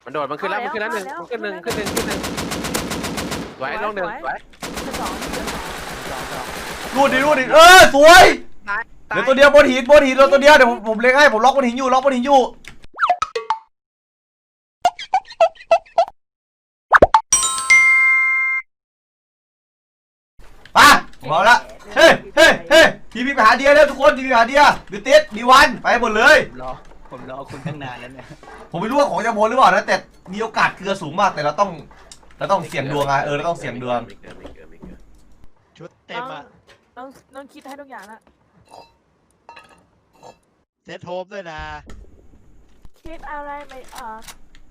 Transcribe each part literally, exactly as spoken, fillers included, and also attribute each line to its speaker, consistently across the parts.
Speaker 1: มันโดดมันขึ้นแล้วมันขึ้นแล้วหนึ่งมันขึ้นหนึ่งขึ้นหนึ่งขึ้นหนึ่งสวยลงหนึ่งสวย
Speaker 2: สอง
Speaker 3: รูดดิรูดดิเออสวยเดี๋ยวตัวเดียวบนหินบนหินเราตัวเดียวเดี๋ยวผมผมเล็งให้ผมล็อกบนหินอยู่ล็อกบนหินอยู่ไปผมเอาละเฮ้เฮ้เฮ้ทีพีไปหาเดียแล้วทุกคนทีพีหาเดียบิวติสดีวันไปหมดเลย
Speaker 4: รอผมรอคุณตั้งนานแล้วเนี่ย
Speaker 3: ผมไม่รู้ว่าของจะโมหรือเปล่านะแต่มีโอกาสเกลือสูงมากแต่เราต้องเราต้องเสี่ยงดวงไงเออเราต้องเสี่ยงดวง
Speaker 4: ชุดเต็มอ่ะ
Speaker 2: ต้องต้องคิดให้ทุกอย่างนะ
Speaker 4: เซตโฮมด้วยนะ
Speaker 2: คิดอะไรไม่ออก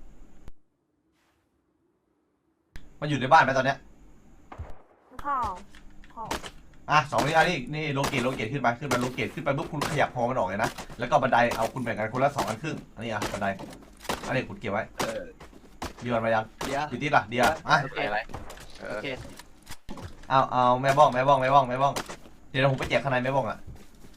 Speaker 3: มันอยู่ในบ้านไหมตอนเนี้ย
Speaker 2: ข้าวข้าว
Speaker 3: อ่ะสองนี่อันนี้นี่โลเกตโลเกตขึ้นไปขึ้นไปโลเกตขึ้นไปปุ๊บคุณขยับพอมันออกเลยนะแล้วก็บันไดเอาคุณแบ่งกันคนละสองอันครึ่งอันนี้อ่ะบันไดอันนี้คุณเก็บไว้
Speaker 4: เออ
Speaker 3: ดีวันมายัง
Speaker 4: เดียว
Speaker 3: ดีติดล่ะเดียวอ่ะ
Speaker 1: โอเคอะไร
Speaker 4: โอเค
Speaker 3: เอาเอาแม่บ้องแม่บ้องแม่บ้องแม่บ้องเดี๋ยวผมไปแจกข้างในแม่บ้องอ่ะ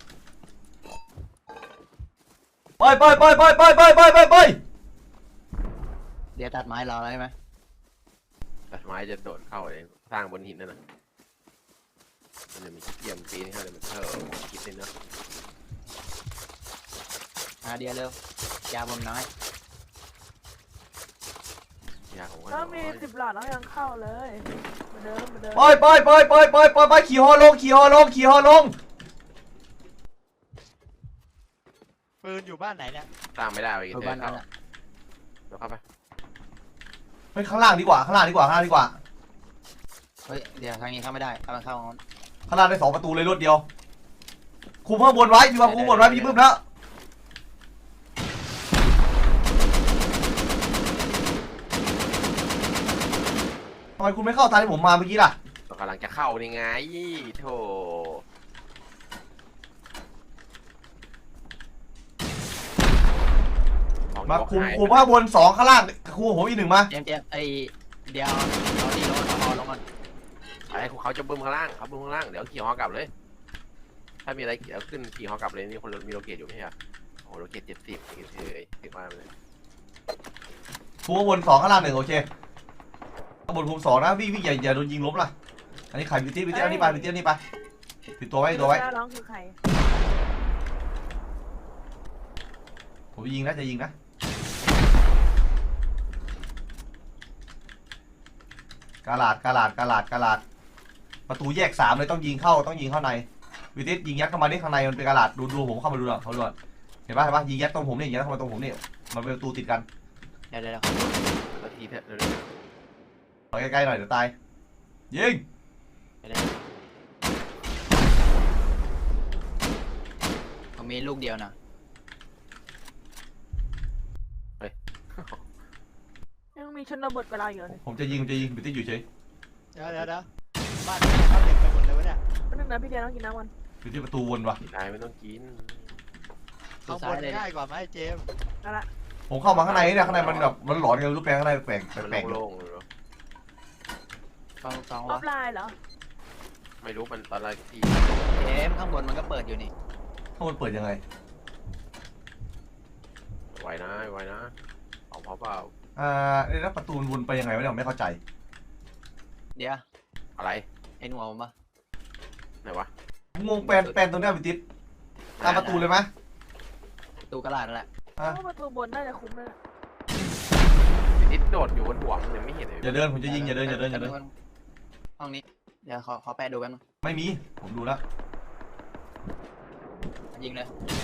Speaker 3: ไปไปไปไปไปไปไปไปไป
Speaker 4: เดี๋ยวตัดไม้รอแล้วใช่ไหม
Speaker 1: ตัดไม้จะโดดเข้าเองสร้างบนหินนั่นน่ะมันจะมีเยี่ยมปีนี้เขาเลยมันเท่าคิดเลยเนาะ
Speaker 4: อาเดียวเร็วยาบนน้อย
Speaker 1: ยาของ
Speaker 2: ก็มีสิบหลอดแล้วยังเข้าเลยมาเดิมมาเดิม
Speaker 3: ไปไปไปไปไปไปไปขี่ฮอลงขี่ฮอลงขี่ฮอลง
Speaker 4: ปืนอยู่บ้านไหนเนี่ย
Speaker 1: สร้างไม่ได้ไปกินเถอะเข้าเดี๋ยวเข้าไป
Speaker 3: ไปข้างล่างดีกว่าข้างล่างดีกว่าข้างล่างดีกว่า
Speaker 4: เฮ้ยเดี๋ยวทางนี้เข้าไม่ได้เอามันเข้า
Speaker 3: ข้างล่างได้สองประตูเลยรวดเดียวคุมข้างบนไว้พี่ว่าคุมบนไว้พี่บึ้มแล้วทำไมคุณไม่เข้าทางที่ผมมาเมื่อกี้ล่ะ
Speaker 1: กำลังจะเข้านี่ไงโธ่
Speaker 3: มาคุมคุมข้างบนสองข้างล่างคุมผมอีกหนึ่งมา
Speaker 4: เจมเจมไอเดี๋ยวเอาดีลงเอาลงก่อน
Speaker 1: ไอ้เขาจะบึ้มข้างล่างเขาบึ้มข้างล่างเดี๋ยวขี่ฮอกลับเลยถ้ามีอะไรเดี๋ยวขึ้นขี่ฮอกลับเลยนี่คนมีโลเกตอยู่ไม่ใช่เหรอโอ้โลเกตเจ็ดสิบเฉยๆถึงมาเลย
Speaker 3: คุมข้างบนสองข้างล่างหนึ่งโอเคข้างบนคุมสองนะวิ่งวิ่งอย่าอย่าโดนยิงล้มล่ะอันนี้ไข่บิวตี้บิวตี้อันนี้ไปบิวตี้อันนี้ไปปิดตัวไว้ตัวไว้
Speaker 2: ร้องคือใคร
Speaker 3: ผมยิงนะจะยิงนะกาลาดกาลาดกาลาดกาลาดประตูแยกสามเลยต้องยิงเข้าต้องยิงเข้าในวิทิสยิงยัดเข้ามาที่ข้างในมันเป็นกาลาดดูดูผมเข้ามาดูหน่อยเขาดูเห็นป่ะเห็นป่ะยิงยัดตรงผมนี่ยิงยัดเข้ามาตรงผมนี่มันเป็นประตูติดกัน
Speaker 4: เดี๋ยวเดี๋ยว
Speaker 1: นาทีเถอะ
Speaker 3: ขอใกล้ๆหน่อยเดี๋ยวตายยิง
Speaker 4: ผมมีลูกเดียวนะ
Speaker 2: ยังมีชนบทเวลาอยู่เลย
Speaker 3: ผมจะยิงจะยิงบิวตี้อยู่เฉย
Speaker 4: เดี๋ยวเดี๋ยวเดี๋ยวบ้านเขาเด็กไปหมดเลยวะเนี่ย
Speaker 2: ก็นึกนะพี่เดียต้องกินน้ำมัน
Speaker 3: บิวตี้ประตูวนวะ
Speaker 1: นายไม่ต้องกิน
Speaker 4: ข้างบนง่ายกว่าไหมเจม
Speaker 2: นั่นแหละ
Speaker 3: ผมเข้ามาข้างในเนี่ยข้างในมันแบบมันหลอนกันรูปแปลงข้างในแปลงแปลง
Speaker 1: โล่งเลย
Speaker 4: สองสอง
Speaker 2: ออฟไลน์เหรอ
Speaker 1: ไม่รู้มันตอนแรกที่
Speaker 4: เจมข้างบนมันก็เปิดอยู่นี่
Speaker 3: ข้างบนเปิดยังไง
Speaker 1: ไวนะไวนะของเขาเปล่า
Speaker 3: อ่าแล้วประตูวนไปยังไงวะเนี่ยไม่เข้าใจ
Speaker 4: เดี๋ยว
Speaker 1: อะไร
Speaker 4: เห็นหัวผมปะ
Speaker 1: ไหนวะ
Speaker 3: งงแปลนแปลนตรงนี้บิวตี้ตามประตูเลยไหม
Speaker 4: ประตูกระดาษนั่นแหละ
Speaker 2: ประตูบนน่าจะคุ้มเลย
Speaker 1: นิดโดดอยู่บนหัวมันยังไม่เห็นเลย
Speaker 3: อย่าเดินผมจะยิงอย่าเดินอย่าเดินอย่าเดิน
Speaker 4: ห้องนี้เดี๋ยวขอขอแปะดูแป๊บนึง
Speaker 3: ไม่มีผมดูแล้ว
Speaker 4: ยิงเลย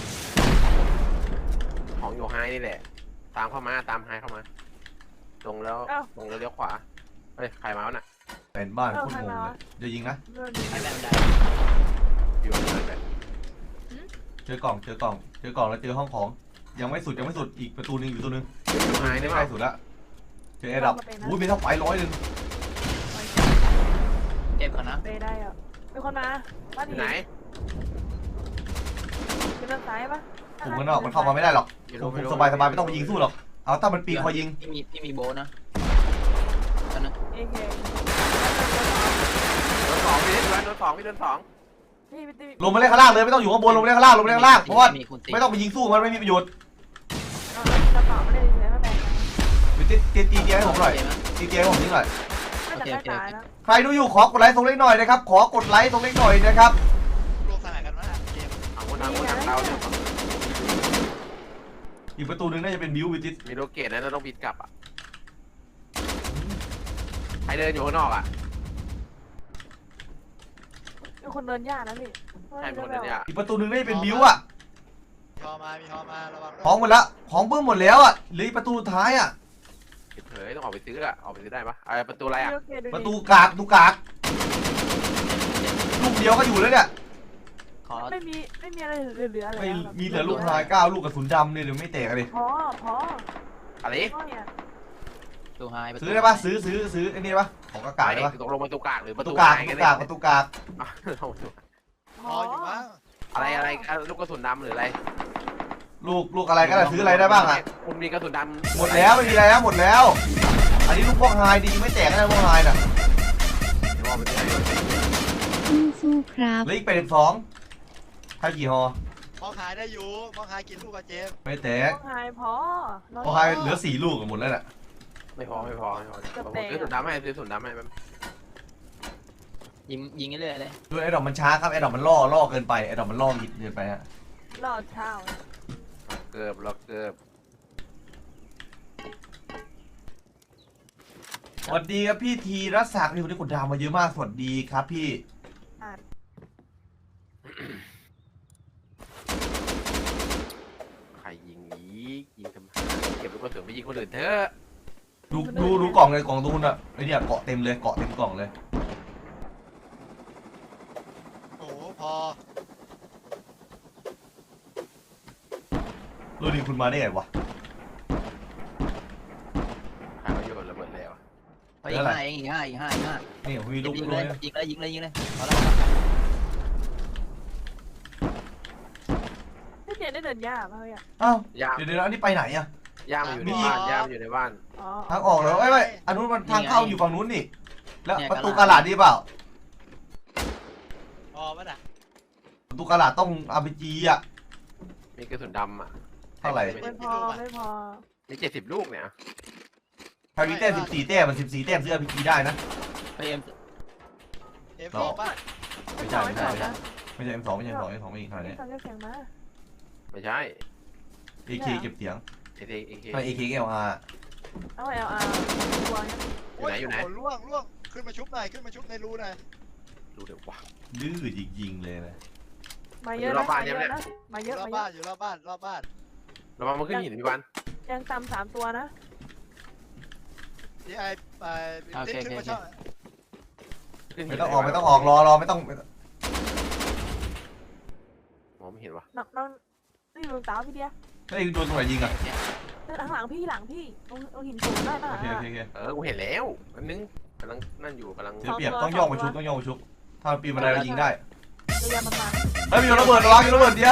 Speaker 1: ของอยู่ไฮนี่แหละตามเข้ามาตามไฮเข้ามาตรงแล้วตรงแล้วเลี้ยวขวาเฮ้ยใครมาวะน่ะ
Speaker 3: เป็นบ้านโคตรงงเลยจะยิงนะ
Speaker 4: ไอ้แบบใด
Speaker 1: อยู่ตรงนั้นแบบ
Speaker 3: เจอกล่องเจอกล่องเจอกล่องแล้วเจอห้องของยังไม่สุดยังไม่สุดอีกประตูนึงอยู่ตัวนึง
Speaker 1: อยู่ไฮได้ไหม
Speaker 3: ใกล้สุดแล้วเจอแอร์ดับอุ้ยมีเท่าไฟร้อยหนึ่ง
Speaker 4: เจ็บก่อนนะ
Speaker 2: ไปได้อ่ะมีคนมาบ้าน
Speaker 1: ไหน
Speaker 2: เป็นด้านซ้ายปะ
Speaker 3: ผมมันออกมันเข้ามาไม่ได้หรอกผมสบายสบายไม่ต้องไปยิงสู้หรอกเอาถ้ามันปีนคอยยิง
Speaker 4: ที่มีที่มีโบนะนะ
Speaker 2: เอเค
Speaker 1: โดนสองพี่โดนสองพี่โดนสอง
Speaker 3: ลงมาเล่นข้างล่างเลยไม่ต้องอยู่ข้างบนลงมาเล่นข้างล่างลงมาเล่นข้างล่างเพราะว่าไม่ต้องไปยิงสู้มันไม่มีประโยชน์วิตีตีตีเตียงให้ผมหน่อยตีเตียงให้ผมนิดหน่อย
Speaker 2: น่าจะใกล้ตายแล้ว
Speaker 3: ใครดูอยู่ขอกดไลค์ตรงเล็กหน่อยนะครับขอกดไลค์ตรงเล็กหน่อยนะครับ
Speaker 4: ลงสนามกันว่าเกม
Speaker 1: เอาคนทางคนทางเราเนี่ย
Speaker 3: อีกประตูหนึงน่าจะเป็นบิววิติส
Speaker 1: มีโลเกตนะเราต้องบิดกลับอ่ะใครเดินอยู่ข้างนอกอ่ะ
Speaker 2: มีคนเดินยากนะพี่
Speaker 1: ใช่คนเดินเนี่ย
Speaker 3: อีกประตูหนึงน่าจะเป็นบิวอ่ะ
Speaker 4: มีฮอมามีฮอมาระวัง
Speaker 3: ของหมดละของเบิ้มหมดแล้วอ่ะเหลืออีกประตูสุดท้ายอ่ะ
Speaker 1: เฮ้ยต้องออกไปซื้ออ่ะออกไปซื้อได้ปะไอประตูอะไรอ่ะ
Speaker 3: ประตูกากประตูกากลูกเดียวก็อยู่แล้วเนี่ย
Speaker 4: ขอ
Speaker 2: ไม่มีไม่มีอะไรเหลือๆเลย
Speaker 3: ไม่มีเหลือลูกทายเก้าลูกกระสุนดำเนี่ยเดี๋ยวไม่แตกเลย
Speaker 2: พอพอ
Speaker 1: อะไร
Speaker 2: พอเนี่ย
Speaker 4: ตูไฮ
Speaker 3: ซื้อได้ปะซื้อซื้อซื้อไอ้นี่ปะของกากาได้ปะ
Speaker 1: ตกลงประตูกากหรือ
Speaker 3: ป
Speaker 1: ประ ระ
Speaker 3: ตู
Speaker 1: ตู
Speaker 3: กาก
Speaker 1: ไหน
Speaker 3: ประ
Speaker 1: กัน
Speaker 3: ตู
Speaker 1: เนี่ย
Speaker 3: กากประตูกาก
Speaker 2: พ
Speaker 4: ฮออยู่มั้ง
Speaker 1: อะไรอะไรลูกกระสุนดำหรืออะไร
Speaker 3: ลูกลูกอะไรก็ได้ซื้ออะไรได้บ้างอ่ะ
Speaker 1: คุณมีกระสุนดำ
Speaker 3: หมดแล้วไม่มีอะไรแล้วหมดแล้ว อันนี้ลูกพวกไฮดีไม่แตกนะพวกไฮน่ะ
Speaker 1: เดี๋ยวเอาไปซื้อให้
Speaker 5: สู้ๆครับ
Speaker 3: เหลืออีกแปดสิบสองใครกี่ฮอ
Speaker 4: มองหายได้อยู่มองหายกินลูกกับเจม
Speaker 3: ไม่แตก
Speaker 2: พอหายพอ
Speaker 3: พวกไฮเหลือสี่ลูกหมดแล้วน่ะ
Speaker 1: ไม่พอไม่พอไม่พอผมซื้อกระสุนดำให้ซื้อกระสุนดำให้มัน
Speaker 4: ยิงยิงเรื่อยเลย
Speaker 3: ด้วยไอ้ดอกมันช้าครับไอ้ดอกมันล่อล่อเกินไปไอ้ดอกมันล่อหิดเกินไปฮะ
Speaker 2: รอดเช้า
Speaker 1: เกือบเราเกือบ
Speaker 3: สวัสดีครับพี่ทีรัศศักดิ์นี่คนที่กดดาวมาเยอะมากสวัสดีครับพี่
Speaker 1: ใครยิงอีกยิงทำไมเก็บลูกกระสุนไปยิงคนอื่นเถอะ
Speaker 3: ดูดูดูกล่องเลยกล่องตูนอ่ะไอ้เนี่ยเกาะเต็มเลยเกาะเต็มกล่องเลย
Speaker 4: โอ้โหพอ
Speaker 3: รู้ดิคุณมาได้ไงวะ
Speaker 1: ใครมาโยนระเบิดแล้ว
Speaker 4: ไปอีกห้าเองอีกห้าอีกห้าอีกห้า
Speaker 3: นี่ผมมีลูก
Speaker 4: ยิง
Speaker 3: ด้
Speaker 4: เล
Speaker 3: วย
Speaker 4: ยยิงเลยยิงเลยยิงเลยพอแล้ว
Speaker 2: พี่เจนได้เดินยากเลยอ่ะ
Speaker 3: อ้าว
Speaker 1: ย่าม
Speaker 3: เดี๋ยวเดี๋ยวอันนี้ไปไหนอ่ะ
Speaker 1: ย่ามอยู่ในบ้านย่ามอยู่ในบ้าน
Speaker 2: อ๋อ
Speaker 3: ทางออกเหรอไอ้ไอ้อันนู้นมันทางเข้าอยู่ฝั่งนู้นนี่แล้วประตูกระดาษดีเปล่า
Speaker 4: พอป่ะน่ะ
Speaker 3: ประตูกระดาษต้องอาร์พีจีอ่ะ
Speaker 1: มีกระสุนดำอ่ะ
Speaker 3: เท่าไหร่
Speaker 2: ไม่พอไม่พอ
Speaker 1: มีเจ็ดสิบลูกเนี่ย
Speaker 3: ใครมีแต้มสิบสี่แต้มมันสิบสี่แต้มซื้ออาร์พีจีได้นะ
Speaker 4: ไปเอ็มเอ็มสองป่ะ
Speaker 3: ไม่ใช่ไม่ใช่ไม่ใช่ไม่ใช่ เอ็ม สองไม่ใช่ เอ็ม สอง เอ็ม สองไม่อีกขนาดนี้
Speaker 2: ตอนเรียกเสียงมา
Speaker 1: ไม่ใช่
Speaker 3: เอ เค เก็บเสียง
Speaker 1: เอเคเอเค
Speaker 3: ไม่ เอ เค เอล อาร์
Speaker 2: เอาไอเอาอาตัวนี้
Speaker 1: อยู่ไหนอยู่ไหน
Speaker 4: ล่วงล่วงขึ้นมาชุบหน่อยขึ้นมาชุบในรูหน่อย
Speaker 1: ดูเดี๋ยววะ
Speaker 3: ดื้อจริงๆเลยนะ
Speaker 2: มาเยอะนะมาเยอะนะมาเย
Speaker 4: อยู่
Speaker 2: อะ
Speaker 4: รอบ
Speaker 2: มาเย
Speaker 4: บ้า
Speaker 2: อะ
Speaker 4: นอยู่รอบบ้านรอบบ้าน
Speaker 1: เรามามาขึ้นหินพี่วัน
Speaker 2: ยังต่ำสามตัวนะ
Speaker 4: ที่ไอ้ไอ้ติ๊กขึ้นมาช่อง
Speaker 1: ขึ้นหิน
Speaker 3: ไม่ต้องออกไม่ต้องออกรอรอไม่ต้อง
Speaker 1: มองไม่เห็นวะ
Speaker 2: น้องน้องนี่ลุงตาพี่เดีย
Speaker 3: ไอ้โดนตรงไหนยิงอ่ะ
Speaker 2: หลังหลังพี่หลังพี่ตรงตรงหินสูงได้ป่ะ
Speaker 3: โอเคโอเคโอเค
Speaker 1: เออกูเห็นแล้วอันนึงกำลังนั่นอยู่กำลัง
Speaker 3: เสียเปรียบต้องย่องมาชุบต้องย่องมาชุบถ้าปีนบันไดเรายิงได้
Speaker 2: ระยะประมาณ
Speaker 3: เฮ้ยมีระเบิดระวังมีระเบิดเดียว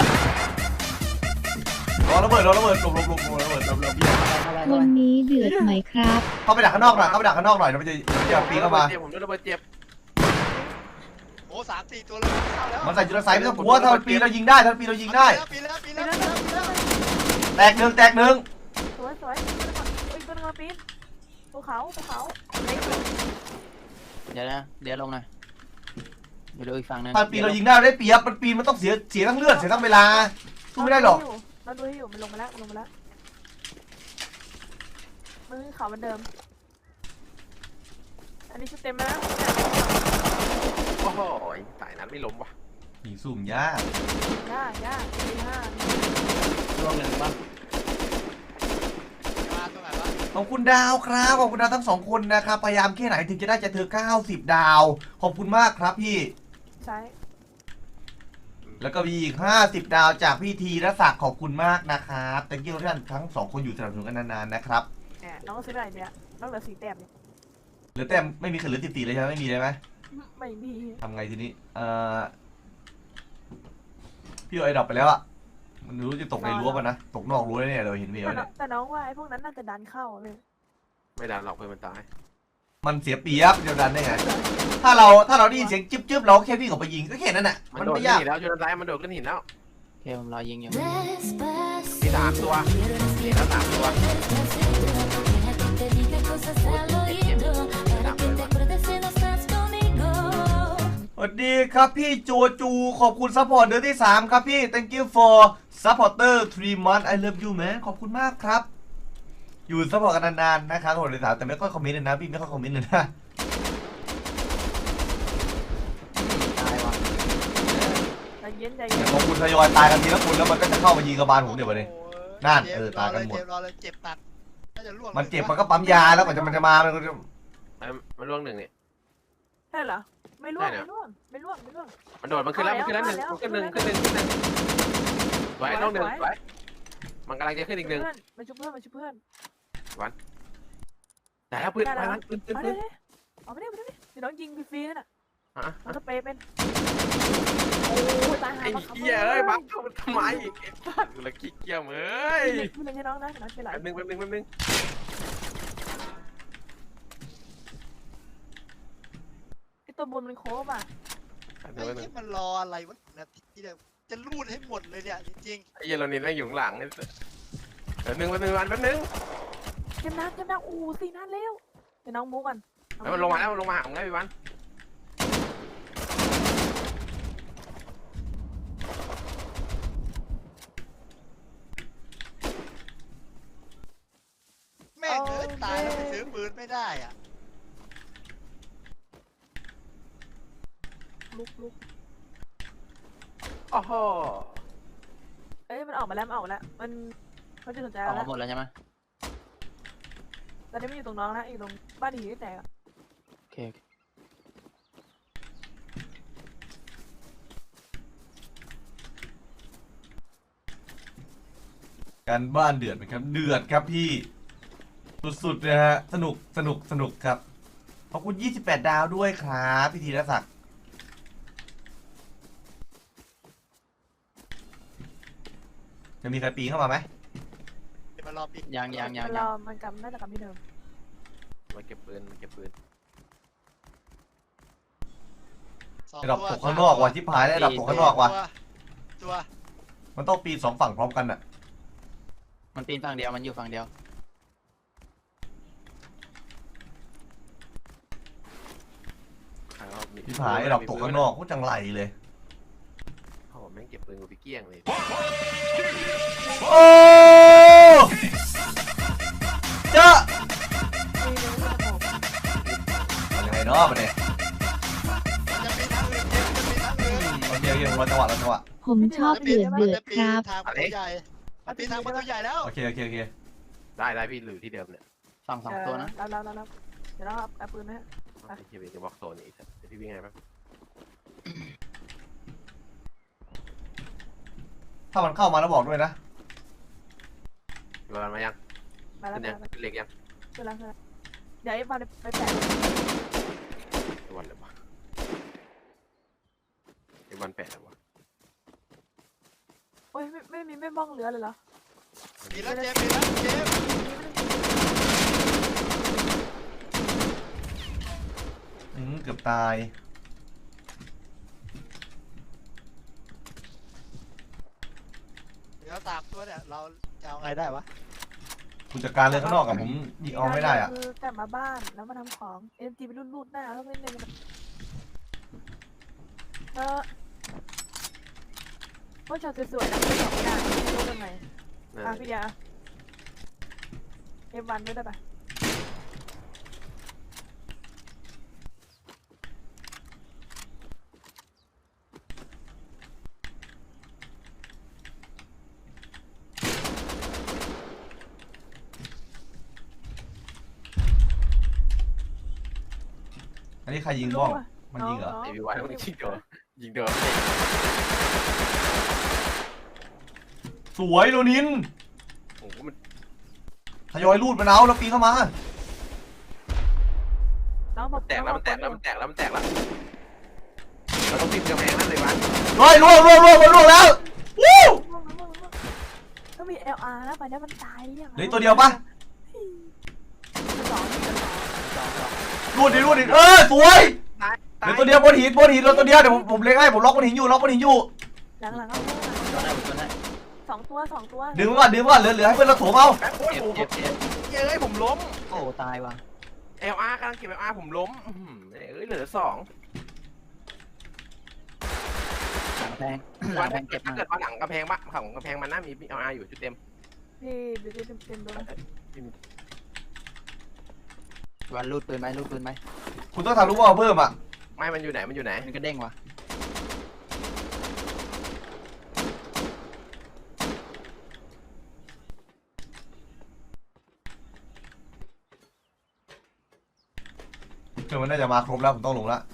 Speaker 3: รอระเบิดรอระเบิดหลบหลบหลบหลบระเบิดหลบหลบ
Speaker 5: วันนี้เดือดไหมครับ
Speaker 3: เข้าไปดักข้างนอกหน่อยเข้าไปดักข้างนอกหน่อยเดี๋ยวมันจะมันจะปีนเข้ามา
Speaker 1: ผมโดนระเบิดเจ็บ
Speaker 4: โอ้สามสี่ตัวเลยเข้าแล้ว
Speaker 3: มันใส่จุลไซไม่ต้องกลัวถ้ามันปีนเรายิงได้ถ้ามันปีนเรายิงได้
Speaker 4: ปีแล้วปีแล้วปีแล้วปีแล้ว
Speaker 3: แตกหนึ่งแตกหนึ่ง
Speaker 2: สวยสวยอีกตัวนึงมาปีนภูเขาภูเขาเล็ก
Speaker 4: เดี๋ยวนะเดี๋ยวลงหน่อยเดี๋ยวดูอีกฝั่งนึง
Speaker 3: ถ้าปีนเรายิงได้เราได้เปรียบมันปีนมันต้องเสียเสียทั้งเลือดเสียทั้งเวลาสู้ไม่ได้หรอก
Speaker 2: เราดูให้อยู่มันลงมาแล้วมันลงมาแล้วมันขึ้นเขาเหมือนเดิมอันนี้ชุดเต็มแล้ว
Speaker 1: โอ้โหสายนั้นไม่ล้มวะ
Speaker 3: ยิงสุ่มยาก
Speaker 2: ย่าย่าตีห้า
Speaker 4: ลงหนึ่งป่ะมาตรงไหนวะ
Speaker 3: ขอบคุณดาวครับขอบคุณดาวทั้งสองคนนะครับพยายามแค่ไหนถึงจะได้จะเธอเก้าสิบดาวขอบคุณมากครับพี่
Speaker 2: ใช่
Speaker 3: แล้วก็มีอีกห้าสิบดาวจากพี่ทีรศักดิ์ขอบคุณมากนะครับแต่กี้ท่านทั้งสองคนอยู่สนับสนุนกันนานๆนะครับ
Speaker 2: แหมน้องซื้ออะไรเนี่ยน้องเหลือสี่แต้มเนี่ย
Speaker 3: เหลือแต้มไม่มีใครเหลือสิบสี่เลยใช่ไหมไม่มีเลยไหม
Speaker 2: ไม่มี
Speaker 3: ทำไงทีนี้เอ่อพี่เอาไอ้ดอกไปแล้วอะมันรู้จะตกในรั้วป่ะนะตกนอกรั้วเนี่ยเราเห็นเมีย
Speaker 2: แต่น้อ
Speaker 3: เนี่
Speaker 2: ง
Speaker 3: ย
Speaker 2: แต่น้องว่าไอ้พวกนั้นน่าจะดันเข้าเลย
Speaker 1: ไม่ดันหรอกเพื่อนมันตาย
Speaker 3: มันเสียเปรียบเดียวดันได้ไงถ้าเราถ้าเราได้ยินเสียงจิ๊บจิ๊บเราแค่วิ่งออกไปยิงก็แค่นั้นแหละ
Speaker 1: มั
Speaker 3: มัน น
Speaker 1: โดด
Speaker 3: ไม่
Speaker 1: ขึ้น
Speaker 3: ยาก
Speaker 1: หินแล้วชนซ้ายมันโดดขึ้นหินแล้ว
Speaker 4: โอเคผมรอยิงอยู่
Speaker 1: มีสามตัวมีแล้วสามตัว
Speaker 3: วัสดีครับพี่โจจูขอบคุณซัพพอร์ตเดือนที่สามครับพี่ thank you for supporter three months I love you man ขอบคุณมากครับ อยู่ซัพพอร์ตกันนานๆนะครับคนเดือนที่สามแต่ไม่ค่อยคอมเมนต์เลยนะพี่ไม่ค่อยคอมเมนต์เลยนะ
Speaker 4: ตายว่ะ
Speaker 2: ใจเย็นใจ
Speaker 3: แต่
Speaker 2: เย็น
Speaker 3: พอคุณทยอยตายกันทีละคนแล้วมันก็จะเข้ามายิงกระบาลผมเดี๋ยววันนี้ นั่นเออตายกันหมด
Speaker 6: เจ็บรอเลยเจ็บหนักน่าจะล่วง
Speaker 3: มันเจ็บมันก็ปั๊มยาแล้วกว่าจะมันจะมามันก็จะ
Speaker 1: มันมันล่วงหนึ่งนี่
Speaker 2: ใช่เหรอไม่ร่วงไม่ร่วงไม่ร่วงไม่ร่วง
Speaker 1: มันโดดมันขึ้นแล้วมันขึ้นแล้วหนึ่งมันขึ้นหนึ่งขึ้นหนึ่งขึ้นหนึ่งสวยล่วงหนึ่งสวยมันกำลังจะขึ้นอีกหนึ่ง
Speaker 2: เพื่อนมันชุบเพื่อนมันชุบเพื่อน
Speaker 1: แต่แล้วปืนมันปืนปืน
Speaker 2: เอา
Speaker 1: ปื
Speaker 2: ดิ
Speaker 1: น
Speaker 2: เอาไปดิเอาไปดิเดี๋ยวน้องยิงฟรีๆนั่นน่ะ
Speaker 1: ฮะ
Speaker 2: มันสเปรย์เป็นโอ้ยตายหา
Speaker 1: ไอ้
Speaker 2: บังคับ
Speaker 1: เหี้ยเอ้ยบังเข้ามาทำไมอีกไอ้สัตว์ละขี้เกียจเอ้ย
Speaker 2: ไม่เล่นให้น้องนะน้องเป็นไร
Speaker 1: แป๊บนึงแป๊บนึงแป๊บนึง
Speaker 2: ไอตัวบนมันโค้งอ่ะ
Speaker 1: แป๊บนึ
Speaker 6: ไอ้
Speaker 1: งแป๊บนึ
Speaker 6: ที่
Speaker 1: ง
Speaker 6: มันรออะไรวะนาทีเดียวจะรูดให้หมดเลยเนี่ยจริง
Speaker 1: ไอ้เหี้ยเรานี่นั่งอยู่ข้างหลังไอ้สัสแป๊บนึงแป๊บนึงวันแป๊บนึง
Speaker 2: เกมน้ำเกมน้ำอู้สี่นัดแล้วเดี๋ยวน้องมูกัน
Speaker 1: แล้วมันลงมาแล้วมันลงมาหาผมแล้วพี่วัน
Speaker 6: ๆแม่งเอ้ยตายแล้วไปซื้อปืนไม่ได้อ่ะ
Speaker 2: ลุกลุก
Speaker 1: โอ้โห
Speaker 2: เอ้ยมันออกมาแล้วมันออกมาแล้วมันเขาจะสนใจ
Speaker 4: ออก
Speaker 2: แล้ว
Speaker 4: มาหมดแล้วใช่ไหม
Speaker 2: ตอนนี้มันอยู่ตรงน้องนะอยู่ตรงบ้านหีที่แตก
Speaker 4: โอเคโอเค
Speaker 3: การบ้านเดือดไหมครับเดือดครับพี่สุดๆนะฮะสนุกสนุกสนุกครับขอบคุณยี่สิบแปดดาวด้วยครับพี่ธีรศักดิ์จะมีใครปีนเข้ามาไหม
Speaker 6: เดี๋ยวมารอปิด
Speaker 4: ยังยังยัง
Speaker 2: มันร
Speaker 4: ยั
Speaker 2: อง มันกำน่าจะกำที่เดิม
Speaker 1: มาเก็บปืนมาเก็บปืน
Speaker 6: สอง
Speaker 3: ไอ้ดอก
Speaker 6: ตัว
Speaker 3: ตกข้างนอกว่ะชิบหายแล้วไอ้ดอกตกข้างนอกว่ะ
Speaker 6: ตัว
Speaker 3: มันต้องปีนสองฝั่งพร้อมกันอ่ะ
Speaker 4: มันปีนฝั่งเดียวมันอยู่ฝั่งเดียว
Speaker 3: ชิบหายไอ้ดอกตกข้างนอกก็จังไรเลย
Speaker 1: โอ้โหแม่งเก็บปืนกูไปเกลี้ยงเลย
Speaker 3: โอ้เจ้า
Speaker 2: มีเนื้อมันจะบอก
Speaker 3: ยังไงเนาะมันเนี่ย
Speaker 6: จะมีทางอื่นเจ็บจะมีทางอื่น
Speaker 3: โอเคโอเครอจังหวะรอจังหวะ
Speaker 5: ผมชอบเดือดเดือดครับ
Speaker 6: ทางประตูใหญ่มันปีนทางประตูใหญ่แล้ว
Speaker 3: โอเคโอเคโอเค
Speaker 1: ได้ได้พี่หรือที่เดิมเนี่ย
Speaker 4: ฝั่งสองตัวนะ
Speaker 2: รับรับรับรับเดี๋ยวเราเอาเอาปืนนะฮะ
Speaker 1: ไอ้เหี้ยเป็นจะบล็อกโซนอีกสัสเดี๋ยวพี่วิ่งไงแป๊บ
Speaker 3: ถ้ามันเข้ามาแล้วบอกด้วยนะ
Speaker 1: เวลามายัง
Speaker 2: มาแล้ว
Speaker 1: ขึ้น
Speaker 2: มา
Speaker 1: ยัง
Speaker 2: แล้ว
Speaker 1: ขึ้นเล็กยัง
Speaker 2: ขึ้นแล้วขึ้นแล้วเดี๋ยวไอ้บอลไปแปะ
Speaker 1: ไอ้วันเลยวะไอ้วันแปดเลยวะ
Speaker 2: โอ้ยไม่ไม่มีไม่บ้องเหลือเลยเหรอ
Speaker 6: มีแล้วเจ็บมีแล้วเจ็บ
Speaker 3: อืมเกือบตาย
Speaker 6: เดี๋ยวสามตัวเนี่ยเราจะเอาไงได้วะ
Speaker 3: คุณจัดการเลยข้างนอกกับผมยิงเอาไม่ได้อ่ะ
Speaker 2: คือกลับมาบ้านแล้วมาทำของเอ็มจีไปรูดรูดหน้าแล้วไม่เล่นเออพวกช็อตสวยๆนะไม่ตอบไม่ได้ไม่รู้ทำไม
Speaker 1: นั่น
Speaker 2: อ่ะพี่ยาเอ็มวันด้วยได้ปะ
Speaker 3: อันนี้ใครยิงบ้อง มันยิงเหรอ
Speaker 1: ไอ้พี่วันมันยิงโดนยิงโดน
Speaker 3: สวยโรนิน
Speaker 1: โอ้โหมัน
Speaker 3: ทยอยรูดมันเอาแล้วปีนเข้ามา
Speaker 2: น้องบอก
Speaker 1: แตกแล้วมันแตกแล้วมันแตกแล้วมันแตกแล้วเราต้องปีนกำแพงนั่นเลยวัน
Speaker 3: เฮ้ยล่วงล่วงล่วงมันล่วงแล้ววู้
Speaker 2: ก็มี แอล อาร์ นะไปแล้วมันตายยัง
Speaker 3: เหลือตัวเดียวปะ
Speaker 2: สอง
Speaker 3: รูดดิรูดดิเออสวยเหลือตัวเดียวบนหินบนหินเหลือตัวเดียวเดี๋ยวผมผมเล็งให้ผมล็อกบนหินอยู่ล็อกบนหินอยู่
Speaker 2: หลังหลังเอา
Speaker 4: ตัวได้ตัวได้
Speaker 2: สองตัวสองตัว
Speaker 3: ดึงมันก่อนดึงมันก่อนเหลือเหลือให้เพื่อนเราโถมเอา
Speaker 1: แป๊บโอ้ย
Speaker 4: เจ็บ
Speaker 1: ผม
Speaker 4: เจ็บเจ็บ
Speaker 1: เอ้ยผมล้ม
Speaker 4: โอ้ตายว่ะ
Speaker 1: เอลอาร์กำลังเก็บเอลอาร์ผมล้มอื้อหือเอ้ยเหลือสอง
Speaker 4: ลังกำแพงหลั
Speaker 1: วั
Speaker 4: ง
Speaker 1: น
Speaker 4: กำแพงเก็บ
Speaker 1: ถ้า
Speaker 4: มา
Speaker 1: เกิดว่าหลังกระแพงบ้าฝั่งกระแพงมันน่ามีเอาอาอยู่ชุดเต็ม
Speaker 2: พี่ดูดิเต็มเต็มโดน
Speaker 4: วันรูดปืนไหมรูดปืนไหม
Speaker 3: คุณต้องทำลูกบอลเพิ่มอ่ะ
Speaker 1: ไม่มันอยู่ไหนมันอยู่ไหน
Speaker 4: มันก็เด้งว่ะ
Speaker 3: เดี๋ยวมันน่าจะมาครบแล้วผมต้องลงแล้ว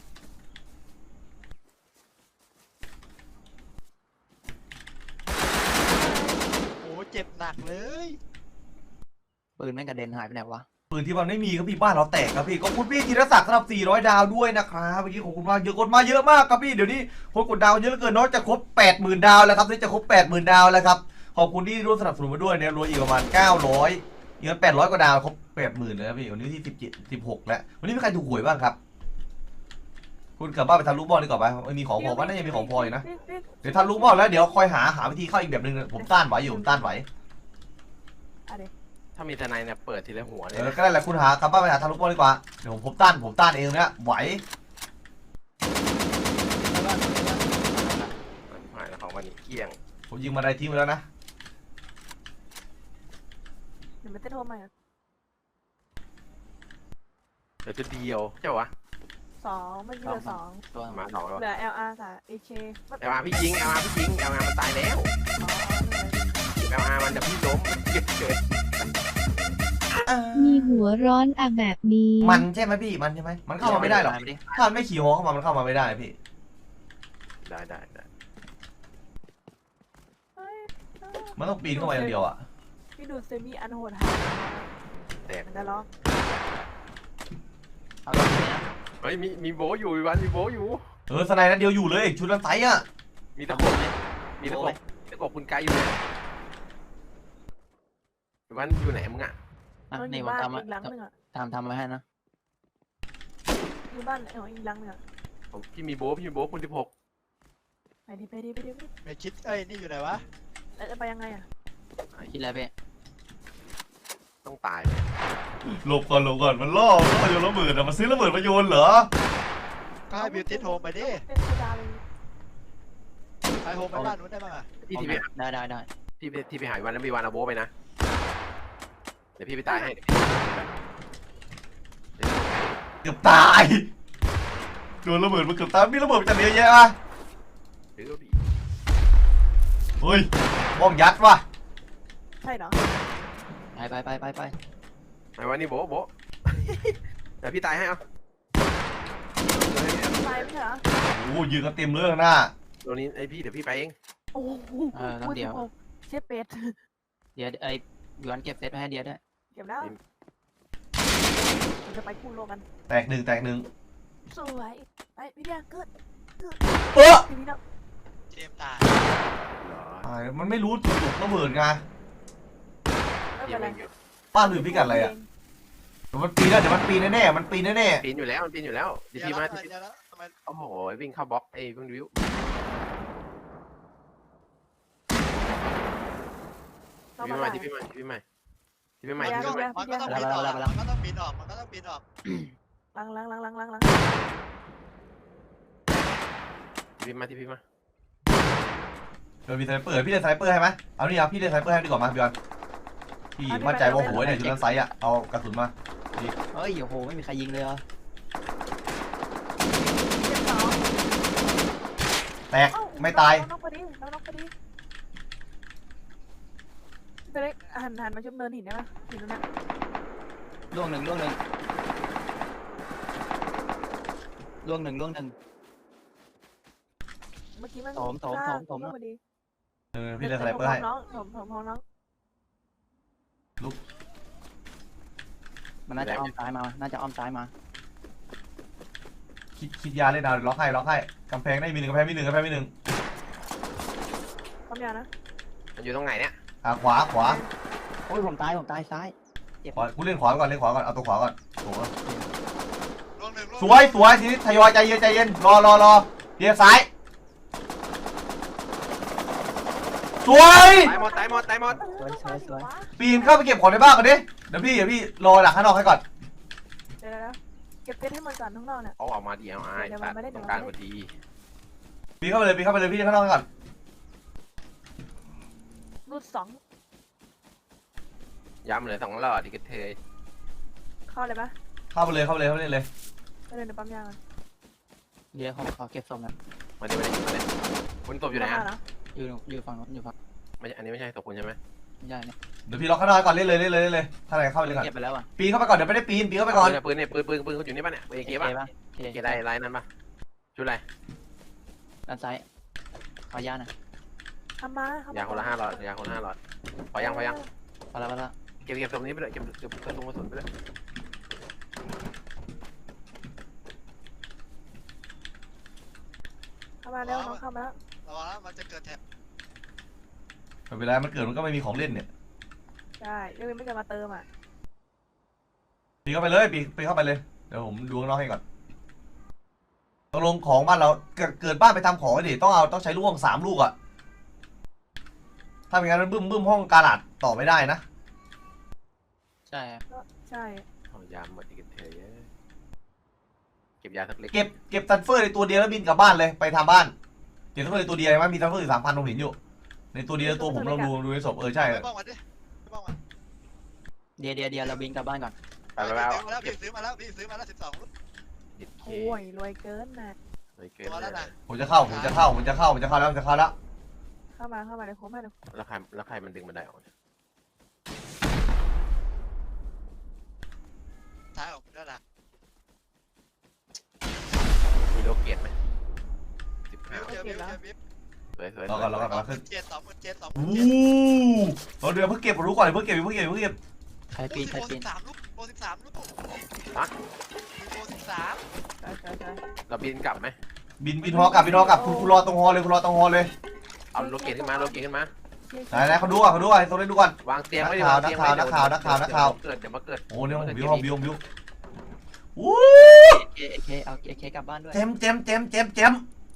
Speaker 6: โอ้เจ็บหนักเลย
Speaker 4: ปืนแม่งกระเด็นหายไปไหนวะ
Speaker 3: ปืนที่มันไม่มีครับพี่บ้านเราแตกครับพี่ขอบคุณพี่ธีรศักดิ์สำหรับสี่ร้อยดาวด้วยนะครับเมื่อกี้ขอบคุณมากเยอะกดมาเยอะมากครับพี่เดี๋ยวนี้คนกดดาวเยอะเหลือเกินเนาะจะครบ แปดหมื่น ดาวแล้วครับนี่จะครบ แปดหมื่น ดาวแล้วครับขอบคุณที่ร่วมสนับสนุนมาด้วยเนี่ยรวมอีกประมาณเก้าร้อยเงินแปดร้อยกว่าดาวครบ แปดหมื่น เลยครับพี่วันนี้ที่สิบเจ็ด สิบหกแล้ววันนี้มีใครถูกหวยบ้างครับคุณกลับบ้านไปทำลูกบอลดีกว่าไหมมีของพอว่าน่าจะมีของพออยู่นะ
Speaker 2: พี่พี่
Speaker 3: เดี๋ยวทำลูกบอลแล้วเดี๋ยวคอยหาหาวิธีเข้าอีกแบบนึงผมต้านไหวอยู่ผมต้านไหว
Speaker 2: อะไร
Speaker 1: ถ้ามีทนายเนี่ยเปิดทีละหัวเล
Speaker 3: เอย อ
Speaker 1: นะ
Speaker 3: ก็ได้แหละคุณหากลับบ้านไปหาทำลูกบอลดีกว่าเดี๋ยวผมผมต้านผมต้านเองเนี่ยไหว
Speaker 1: หายแล้วของวันนี้เกลี้ยง
Speaker 3: ผมยิงมาได้ทิ้งไปแล้วนะ
Speaker 2: เดี๋ยวมันจะโทรมา
Speaker 1: เหลือชุดเดียวใช่ปะวะ
Speaker 2: สองมันเหลือสอง
Speaker 4: ตัว
Speaker 1: มาสองแล้ว
Speaker 2: เหลือ แอล อาร์ กับ เอ เค มัน
Speaker 1: เอลอาร์พี่ยิงเอลอาร์พี่ยิงเอลอาร์มันตายแล้วเอลอาร์มันจะพี่ล้มเก็บเกิด
Speaker 5: มีหัวร้อนอะแบบนี้
Speaker 3: มันใช่ไหมพี่มันใช่ไหมมันเข้ามาไม่ได้หรอกถ้ามันไม่ขี่ฮอเข้ามามันเข้ามาไม่ได้พี่
Speaker 1: ได้ได้ได้
Speaker 2: เฮ้ย
Speaker 3: มันต้องปีนเข้ามาอย่างเดียวอ่ะ
Speaker 2: พี่ดูเซมิอันโหดหาย
Speaker 1: แตก
Speaker 2: มันจะร้อง
Speaker 4: เอาตัวนี้นะ
Speaker 1: เฮ้ยมีมีโบอยู่วันมีโบอยู่
Speaker 3: เออสไนด์นั้นเดียวอยู่เลยชุดนั้นไซส์อ่ะ
Speaker 1: มีตะกบมีตะกบตะกบคุณไกด์อยู่ไหนวันอยู่ไหนมึงอ่ะ
Speaker 4: อ่ะ
Speaker 2: มันอ
Speaker 4: นี่
Speaker 2: ยู่
Speaker 4: ผม
Speaker 2: บ้าน
Speaker 4: ทำมา
Speaker 2: อีกหลังหนึงอ่ะ
Speaker 4: ทำทำมาให้นะ
Speaker 2: อยู่บ้านเอออีกหลังหนึงอ่ะ
Speaker 1: ผมพี่มีโบพี่มีโบคุณสิบหก
Speaker 2: ไปดิไปดิไปดิไปดิ
Speaker 6: ไม่คิดเอ้ยนี่อยู่ไหนวะ
Speaker 2: แล้วจะไปยังไงอ่ะ
Speaker 4: คิดอะไรพี่
Speaker 1: ต้องตาย
Speaker 3: หลบก่อนหลบก่อนมันล่อมันโยนระเบิดอ่ะมันซื้อระเบิดมาโยนเหรอ
Speaker 6: ก็ให้บิวตี้โฮมไปดิ
Speaker 2: เป็นโซดาเลย
Speaker 6: ไปโฮมไปบ้านนู้นได้ป่ะ
Speaker 1: พี่ที่ไป
Speaker 4: ได้ได้ได้
Speaker 1: พี่ไปที่ไปหาวันแล้วมีวันเอาโบไปนะเดี๋ยวพี่ไปตายให้
Speaker 3: เกือบตายโดนระเบิดมันเกือบตายมีระเบิดจะเยอะแยะอ่ะ
Speaker 1: ถือก็ดี
Speaker 3: เฮ้ยบอมยัดว่ะ
Speaker 2: ใช่เหรอ
Speaker 4: ไปไปไปไปไป
Speaker 1: ไอ้วันนี้โบโบเดี๋ยวพี่ตายให้เอา
Speaker 2: ตายไม่ใช่เหรอ
Speaker 3: โอ้ยืนกันเต็มเลยข้างหน้า
Speaker 1: ตัวนี้ไอพี่เดี๋ยวพี่ไปเอง
Speaker 2: โอ้โห
Speaker 4: เออต้องเดียว
Speaker 2: เชฟเป็ด
Speaker 4: เดี๋ยวไอ้ย้อนเก็บเซตไว้ให้เดียวด้วย
Speaker 2: เก็บแล้วเราจะไปกู้โลกัน
Speaker 3: แตกหนึ่งแตกหนึ่ง
Speaker 2: สวยไปพี่เดียเกิด
Speaker 3: เออ
Speaker 2: พี่พี่เนาะ
Speaker 6: เจมตาย
Speaker 1: เหรอ
Speaker 3: ตายมันไม่รู้จุดตกระเบิดไง
Speaker 2: ไม่
Speaker 1: พี่
Speaker 2: เป็นไร
Speaker 1: ไม่อยู่
Speaker 3: ป้าลืมพิกัดอะไรอ่ะเดี๋ยวมันปีนแล้วเดี๋ยวมันปีนแน่ๆมันปีนแน่
Speaker 1: ปีนอยู่แล้วมันปีนอยู่แล้วดี
Speaker 6: เดี๋ยว
Speaker 1: พีมา
Speaker 6: แล้ว
Speaker 1: ดีพี
Speaker 6: เดี๋ยวแล้วทำไม
Speaker 1: โอ้โหวิ่งเข้าบล็อกไอ้เพิ่งวิว
Speaker 2: เข้า
Speaker 1: ดี
Speaker 2: มา
Speaker 1: พี
Speaker 2: ได้
Speaker 1: มาดีพีมาดีพีมาดีพีมา
Speaker 2: เดี๋
Speaker 1: ดี
Speaker 2: ยว
Speaker 1: พีมา
Speaker 6: มันก็ต้องบินออกมันก็ต้องบินออกมันก็ต้องบินออก
Speaker 2: ลังลังลังลังลังลัง
Speaker 1: ดีพีมาดีพีมา
Speaker 3: ๆเดี๋ยวมีสไนเปอร์พี่เล่นสไนเปอร์ให้ไหมเอานี่เอาพี่เล่นสไนเปอร์ให้ดีกว่ามาพี่บอลพี่มั่นใจว่าโหยเนี่ยจุดนั้นไซส์อ่ะเอากระสุนมา
Speaker 4: เฮ้ยโอ้โหไม่มีใครยิงเลยเหรอ
Speaker 3: แตกไม่ตาย
Speaker 2: น้องพอดีน้องน้องพอดีจะได้หันหันมาชุบเนินหินได้ไหมหินตรงนี้
Speaker 4: ล่วงหนึ่งล่วงหนึ่งล่วงหนึ่งล่วงหนึ่ง
Speaker 2: เมื่อกี้มัน
Speaker 4: โถมโถมโถมโถม
Speaker 2: พอดี
Speaker 3: เออพี่เล่นสไนเปอร์ให้
Speaker 2: น้องผมผมผมน้อง
Speaker 4: มันน่าจะอ้อมซ้ายมา น่าจะอ้อมซ้ายมา
Speaker 3: คิดคิดยาเล่นเอาล็อกให้ล็อกให้กำแพงได้มีหนึ่งกำแพงมีหนึ่งกำแพงมีหนึ่ง
Speaker 2: ความยาวนะ
Speaker 1: มันอยู่ตรงไหนเนี่ย
Speaker 3: อ่ะขวาขวา
Speaker 4: โอ้ยผมตายผมตายซ้าย
Speaker 3: ขวากูเล่นขวาก่อนเล่นขวาก่อนเอาตัวขวาก่อนโอ้โห
Speaker 6: ลงหนึ่งลง
Speaker 3: สวยสวยทีนี้ทยอยใจเย็นใจเย็นรอรอรอเดี๋ยวซ้ายสวย
Speaker 1: ตายหมดตายหมดตายหมด
Speaker 4: สวยสวยสวย
Speaker 3: ปีนเข้าไปเก็บของในบ้านก่อนดิเดี๋ยวพี่เดี๋ยวพี่รอหลักข้างนอกให้ก่อน
Speaker 2: เดี๋ยวเดี๋ยวเก็บเพชรให้มันก่อนทั้งนอกเนี่ย
Speaker 1: เอาออกมาดีเอาไอ้สัตว์ต้องการพอดี
Speaker 3: ปีเข้าไปเลยปีเข้าไปเลยพี่ข้างนอกก่อน
Speaker 2: รูดสอง
Speaker 1: ย้ำเลยสองหลอดดิกระเทย
Speaker 2: เข้าเลยปะ
Speaker 3: เข้าไปเลยเข้าไปเลยเข้าไปเลยเลย
Speaker 2: ไปเลยในปั๊มยาง
Speaker 4: เดี๋ยวเขาเขาเก็บศพนะ
Speaker 1: มาดิมาดิมาดิคุณตบอยู่ไหน
Speaker 2: เข้า
Speaker 1: อ่ะ
Speaker 2: มาเนอะ
Speaker 4: อยู่อยู่ฝั่งนู้นอยู่ฝั่ง
Speaker 1: ไม่ใช่อันนี้ไม่ใช่ตบคุณใช่ไหม
Speaker 4: ไม่ใช่เนี่ย
Speaker 3: เดี๋ยวพี่ล็อกข้างนอกก่อนเล่นเลยเล่นเลยเล่นเลยถ้าอะไรเข้าไปเลยก่อน
Speaker 4: เก็บไปแล้วอ่ะ
Speaker 3: ปีนเข้าไปก่อนเดี๋ยวไม่ได้ปีนปีนเข้าไปก่อน
Speaker 1: ปืนเนี่ยปืนเนี่ยปืนปืนปืนเขาอยู่นี่ป่ะเนี่ยปืนเอ
Speaker 4: เอ
Speaker 1: เค
Speaker 4: เค
Speaker 1: ป่ะ
Speaker 4: ป่ะเอ
Speaker 1: เอ
Speaker 4: เค
Speaker 1: เคได้ไลน์นั้นป่ะชุดอะไร
Speaker 4: ด้านซ้ายขอยาหน่อย
Speaker 2: ทำมาทำม
Speaker 1: ยาคนละห้าหลอดยาคนละห้าหลอดพอยังพอยัง
Speaker 4: พอแล้วพอแล้ว
Speaker 1: เก็บเก็บตรงนี้ไปเลยเก็บเก็บกระตุ้งกระสุนไปเลย
Speaker 2: เข้ามาเร็วน้องเข้ามาแล้ว
Speaker 6: ระวังนะมันจะเกิดแถบ
Speaker 3: ไม่เป็นไรมันเกิดมันก็ไม่มีของเล่นเนี่ย
Speaker 2: ใช่เดี๋ยวไม่จะมาเติมอ่ะ
Speaker 3: ปีนเข้าไปเลยปีนปีนเข้าไปเลยเดี๋ยวผมดูข้างนอกให้ก่อนตกลงของบ้านเราเกิดเกิดบ้านไปทำของดิต้องเอาต้องใช้ลูกสามลูกอะถ้าไม่งั้นมันบึ้มบึ้มห้องกาลาดต่อไม่ได้นะ
Speaker 4: ใช่
Speaker 2: ใช่
Speaker 1: เอายาหมดดิกระเทยเก็บยาสักเล็ก
Speaker 3: เก็บเก็บซันเฟอร์ในตัวเดียวแล้วบินกลับบ้านเลยไปทำบ้านเก็บซันเฟอร์ในตัวเดียวไหมมีซันเฟอร์อยู่สามพันผมเห็นอยู่ในตัวเดียวตัวผมเราดูดูในศพเออใช่
Speaker 6: ไปบ้องมันดิไปบ้องมัน
Speaker 4: เดี๋ยวเดี๋ยวเดี๋ยวเราบินกลับบ้านก่อน
Speaker 1: ไปไปไปเอา
Speaker 6: ซื้อมาแล้วพี่ซื้อมาแล้วพี่ซื้อมาแล้วสิบสองลูก
Speaker 1: ดิเค
Speaker 2: โอ้ยรวยเกินนะ
Speaker 1: เลยเกิน
Speaker 6: ตัวแล้วนะ
Speaker 3: ผมจะเข้าผมจะเข้าผมจะเข้าผมจะเข้าแล้วผมจะเข้าแล้ว
Speaker 2: เข้ามาเข้ามาเดี๋ยวโค้งให้เดี๋ยว
Speaker 1: แล้วใครแล้วใครมันดึงบันไดออกเนี่ย
Speaker 6: ท้ายออกแล้วนะ
Speaker 1: มีโลเกตไหมสิบห้า
Speaker 6: เจอบิวเจอบิว
Speaker 1: สวยสวย
Speaker 3: รอก่อนรอก่อน
Speaker 6: ส
Speaker 3: ร
Speaker 6: อ
Speaker 3: อง
Speaker 6: ห
Speaker 3: ขึ้
Speaker 6: มื่
Speaker 3: น
Speaker 6: นเจ็ดสองหมื่นเจ็ดสองห
Speaker 3: โอ้
Speaker 6: มื่นเจ็ด
Speaker 3: เราเดี๋ยวเพิ่งเก็บรู้ก่อนเพิ่งเก็บเพิ่งเก็บเพิ่งเก็บ
Speaker 4: ใคร
Speaker 6: โอ้
Speaker 4: ปีน
Speaker 6: สิบ
Speaker 4: ใคร
Speaker 6: โปร
Speaker 4: ปี
Speaker 6: สิ
Speaker 4: น
Speaker 6: บสามลูกโปรสิบสามลูกโปรสิบสาม
Speaker 2: ใช่ใช่ใช่
Speaker 1: เราบินกลับไหม
Speaker 3: บินบินฮอกลับบินฮอกลับคุณคุณรอตรงฮอเลยคุณรอตรงฮอเลย
Speaker 1: เอาโลเกตขึ้นมาโลเกตขึ้นมา
Speaker 3: ไหนไหนเขาดูอ่ะเขาดูอ่ะตรงนี้ดูก่อน
Speaker 1: วางเตียงไว้ดิ
Speaker 3: นั
Speaker 1: วาก ง
Speaker 3: ข่าว
Speaker 1: เตียงไว้
Speaker 3: นักข่าวนักข่าวนักข่าว
Speaker 1: เกิดเดี๋ยวมาเกิด
Speaker 3: โอ้เนี่ยบิวห้องบิวบิวอู้
Speaker 4: เอเคเอาเอเคกลับบ้านด้วย
Speaker 3: เจมเจมเจมเจมเจม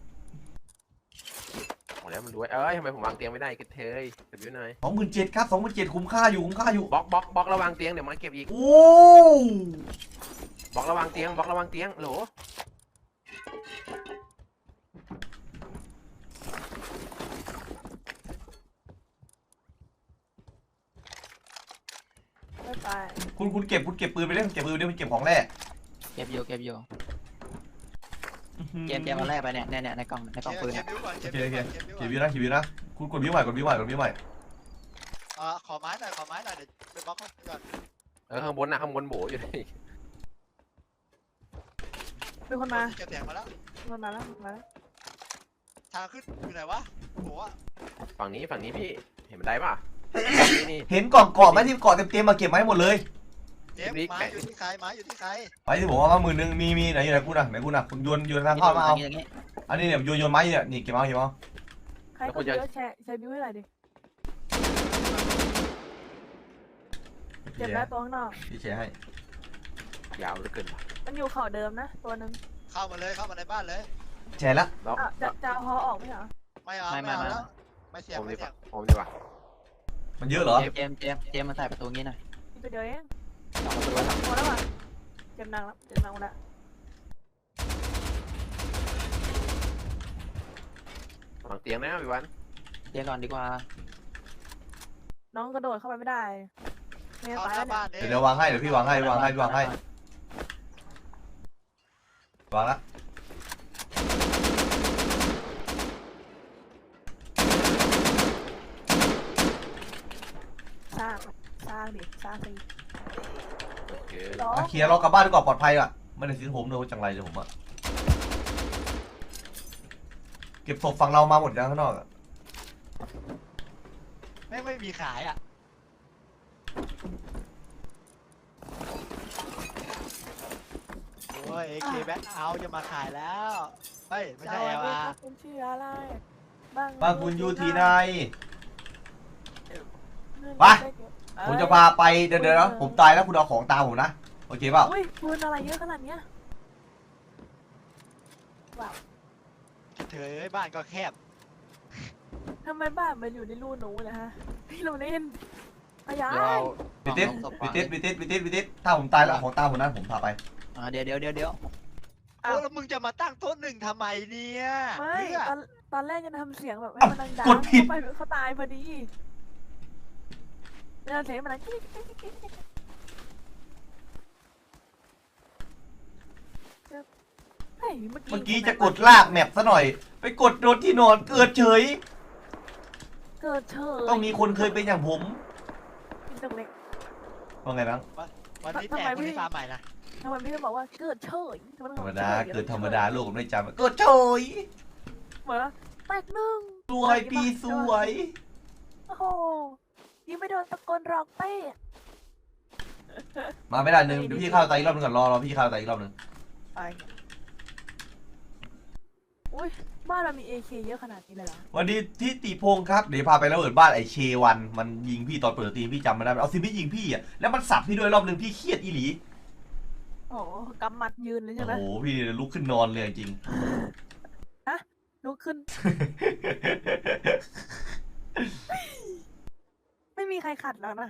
Speaker 1: โอ้แล้วมันรวยเอ้ยทำไมผมวางเตียงไม่ได้กันเทยเก็บอยู่หน่อย
Speaker 3: สองหมื่นเจ็ดครับสองหมื่นเจ็ดคุ้มค่าอยู่คุ้มค่าอยู่
Speaker 1: บล็อกบล็อกบล็อกระวางเตียงเดี๋ยวมาเก็บอีก
Speaker 3: โอ้
Speaker 1: บล็อกระวางเตียงบล็อกระวางเตียงโหล
Speaker 2: ไม่ไป
Speaker 3: คุณคุณเก็บคุณเก็บปืนไปเล่นเก็บปืนไปเล่นคุณเก็บของแร่
Speaker 4: เก็บอยู่เก็บอยู่เกมเกมมาแรกไปเนี่ยเนี่ยเนี่ยในกล่องในกล่องปืน
Speaker 6: เก็
Speaker 4: เนี่ย
Speaker 6: บบิวก่อน
Speaker 3: โอ
Speaker 6: เก็บ
Speaker 3: เค
Speaker 6: บิว
Speaker 3: โอเค
Speaker 6: ก่อนเก็บบิว
Speaker 3: เก็บ
Speaker 6: ก่อน
Speaker 3: วิวนะเก็บวิวนะคุณกดวิวใหม่กดวิวใหม่กดวิวใหม่
Speaker 6: เอ่อขอไม้หน่อยขอไม้หน่อยเดี๋ยวไปบล็อกมันก่อน
Speaker 1: เออข้างบนนะข้างบนโบอยู่นี่
Speaker 2: เป็นคนมา
Speaker 6: เก็บแถงมาแล้ว
Speaker 2: เป็นคนมาแล้วมาแล้ว
Speaker 6: ทางขึ้นอยู่ไหนวะโอ้โห
Speaker 1: ฝั่งนี้ฝั่งนี้พี่เห็นบันไดป่ะนี่นี่
Speaker 3: เห็นกล่องเกาะไหมที่เกาะเต็มเต็มมาเก็บมาให้หมดเลย
Speaker 6: เก็บไม้อยู่ที่ใครไม้อยู่ที่ใคร
Speaker 3: ไปที่ผมเอามาหมื่นหนึ่งมีมีไหนอยู่ไหนกูน่ะไหนกูน่ะคุณโยนโยนทางเข้ามาเอา
Speaker 4: อย่างงี้
Speaker 3: อันนี้เนี่ยโยนโยนไม้เนี่ยนี่เก็บเอาเก็บเอา
Speaker 2: ใครคนเยอะแชร์แชร์บิวให้หน่อยดิเจ็บแล้วตัวข้างนอก
Speaker 3: พี่แชร์ให้
Speaker 1: ยาวเหลือเกินว่ะ
Speaker 2: มันอยู่เข่าเดิมนะตัวหนึ่ง
Speaker 6: เข้ามาเลยเข้ามาในบ้านเลย
Speaker 3: แชร์แล้ว
Speaker 1: ล็อก
Speaker 2: อ่ะจะจะเอาฮอออกไหมเหรอ
Speaker 6: ไม่เอาไม่เอาแล้วไม่เสีย
Speaker 1: ผ
Speaker 6: ง
Speaker 1: ม
Speaker 6: ไม่
Speaker 1: ดีก
Speaker 6: เสีย
Speaker 1: ว่าง ผมดีกว่า
Speaker 3: มันเยอะเหรอ
Speaker 4: เจมเจมเจมเจมมาใส่ประตูงี้หน่อย
Speaker 2: นี่ไปเดียวเอง
Speaker 4: สองประตูแล้ว
Speaker 2: พอแล้วอ่ะเจ็บหนักแล้วเจ็บหนักแล้ว
Speaker 1: วางเตียงนะพี่วัน
Speaker 4: เตียงก่อนดีกว่า
Speaker 2: น้องกระโดดเข้าไปไม่ได้ไม่
Speaker 6: เข้า
Speaker 2: ตาย
Speaker 6: ห
Speaker 2: แล้
Speaker 6: น้าว บ้าน
Speaker 3: เดี๋ยวเดี๋ยววางให้เดี๋ยวพี่วางให้วางให้วางให้วางละ
Speaker 2: สร้างสร้างดิสร้างสิ
Speaker 1: โอเค
Speaker 2: ร้อ
Speaker 3: อ่ะเคลียร์ล็อกกลับบ้านดีกว่าปลอดภัยอ่ะไม่ได้ทิ้งผมเลยจังไรเลยผมอะเก็บศพฝั่งเรามาหมดยังข้างนอกอะ
Speaker 6: ไม่ไม่มีขายอ่ะโอ้ยเอเคแบ็คเอาจะมาขายแล้วเฮ้ยไม่ใช่
Speaker 2: สวัส
Speaker 6: แอล
Speaker 2: ดี
Speaker 6: อา
Speaker 2: ครั
Speaker 6: ร์
Speaker 2: บคุณชื่ออะไรบ้าง
Speaker 3: บ้านคุณอยู่ที่ไหน
Speaker 2: ไป
Speaker 3: ผมจะพาไปเดี๋ยวเดี๋ยวนะผมตายแล้วคุณเอาของตามผมนะโอเคเปล่า
Speaker 2: อุ้ยปืนอะไรเยอะขนาดเนี้ย
Speaker 6: เธอเอ้ยบ้านก็แคบ
Speaker 2: ทำไมบ้านมันอยู่ในรูหนูนะฮะพี่เราเล่นอายา
Speaker 4: เดี๋ยวเอา
Speaker 3: บิติสบิติสบิติสบิติสบิติสถ้าผมตายแล้วเอาของตามผมนะผมพาไป
Speaker 4: อ่าเดี๋ยวเดี๋ยวเดี๋ยวเดี๋ยว
Speaker 6: โอ้แล้วมึงจะมาตั้งโต๊ะหนึ่งทำไมเนี่ย
Speaker 2: ไม่
Speaker 6: เพื่อ
Speaker 2: ตอนตอนแรกจะทำเสียงแบบให้มันดังๆ
Speaker 3: กดผิด
Speaker 2: เข้าไปเขาตายพอดีเนี่ยเสียงมันดังกิ๊กกิ๊กกิ๊กกิ๊กเฮ้ยเมื่อกี้
Speaker 3: เมื่อกี้จะกดลากแมปซะหน่อย ไปกดโดนที่นอนเกิดเฉย
Speaker 2: เกิดเฉย
Speaker 3: ต้องมีคนเคยเป็นอย่างผม
Speaker 2: กินตกเล็ก
Speaker 3: ว่าไงบ้าง
Speaker 6: วันนี้
Speaker 2: ทำ
Speaker 6: แต
Speaker 2: ไม
Speaker 6: ก
Speaker 2: พี่
Speaker 6: ที่ฟาร์มใหม่นะ
Speaker 2: ทำไมพี่ต้องบอกว่าเกิดเฉยทำไมต้อง
Speaker 3: ธร
Speaker 2: บ
Speaker 3: ร
Speaker 2: อ
Speaker 3: ม
Speaker 2: ฉ
Speaker 3: ดาย เกิดธรรมดาโลกผมไม่จำเกิดเฉย
Speaker 2: เหมือนว่าแตกหนึ่ง
Speaker 3: สวยปีสวย
Speaker 2: โอ้โหยิงไม่โดนตะโกนร้องเต้
Speaker 3: มาไม่ได้หนึ่งเดี๋ยวพี่เข้าไตอีกรอบหนึงก่อนรอรอพี่เข้าไตอีกรอบหนึง
Speaker 2: ไปอุ้ยบ้านเรามี เอ เค เยอะขนาดนี้เลยเหรอ
Speaker 3: วันนี้ที่ติพงศ์ครับเดี๋ยวพาไประเบิดบ้านไอเชวันมันยิงพี่ตอนเปิดตีมพี่จำไม่ได้เอาซิพี่ยิงพี่อ่ะแล้วมันสับพี่ด้วยรอบหนึงพี่เครียดอีหลี
Speaker 2: โอ้โหกำมัดยืนเลยใช่
Speaker 3: โอ้
Speaker 2: ไหม
Speaker 3: โหพี่ลุกขึ้นนอนเลยจริง
Speaker 2: ลุกขึ้น ไม่มีใครขัดแล้วนะ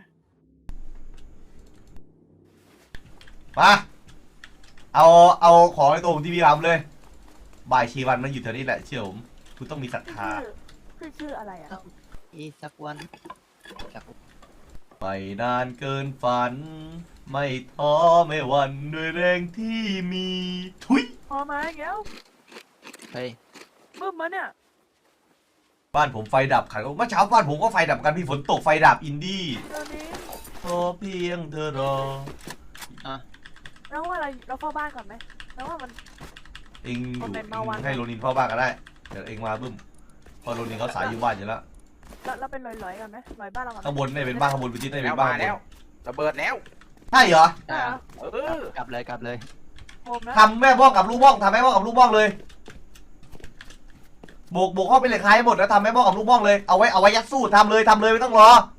Speaker 3: มาเอาเอาของในตัวผมที่พี่ทำเลยบายเชวันมันอยู่แถวนี้แหละเชื่อผมคุณต้องมีศรัทธา
Speaker 2: ชื่อชื่ออะไรอ่ะ
Speaker 4: อีสักวันสัก
Speaker 3: ไม่นานเกินฝัน ไม่ท้อไม่หวั่นด้วยแรงที่มีทุย
Speaker 2: พอมาอีกแล้ว
Speaker 4: เฮ้ย
Speaker 2: บึ้มมาเนี่ย
Speaker 3: บ้านผมไฟดับขันเมื่อเช้าบ้านผมก็ไฟดับกันพี่ฝนตกไฟดับอินดี้
Speaker 2: ตอนนี้
Speaker 3: ขอเพียงเธอรอ
Speaker 2: เราว่าเราเราเฝ้าบ้านก่อนไหมเราว่ามัน
Speaker 3: เองอยู่
Speaker 2: เอาเป็นมาวัน
Speaker 3: ให้โรนินเฝ้าบ้านก็ได้เดี๋ยวเองมาบึ้มเพอโรนินเขาสายอยู่บ้านอยู่แล้ว
Speaker 2: เราเราเป็นลอยๆก่อนไหมลอยบ้านเราก่อนไหม
Speaker 3: ข้างบนเนี่ยเป็นบ้านข้างบนเป็นทิศเนี่ย
Speaker 1: แล้
Speaker 3: เป็
Speaker 1: วน
Speaker 3: บ้าน
Speaker 1: มา
Speaker 3: ข้างบ
Speaker 1: แล้ว
Speaker 3: น
Speaker 1: ระเบิดแล้ว
Speaker 3: ใช่เหรอ
Speaker 2: ได้เหรอ
Speaker 1: เออก
Speaker 4: ลับเลยกลับเลย
Speaker 2: โฮมนะ
Speaker 3: ทำแม่บ้องกับลูกบ้องทำแม่บ้องกับลูกบ้องเลยโบกโบกเข้าไปเลยคล้ายหมดแล้วทำแม่บ้องกับลูกบ้องเลยเอาไว้เอาไว้ยัดสู้ทำเลยทำเลยไม่ต้องรอ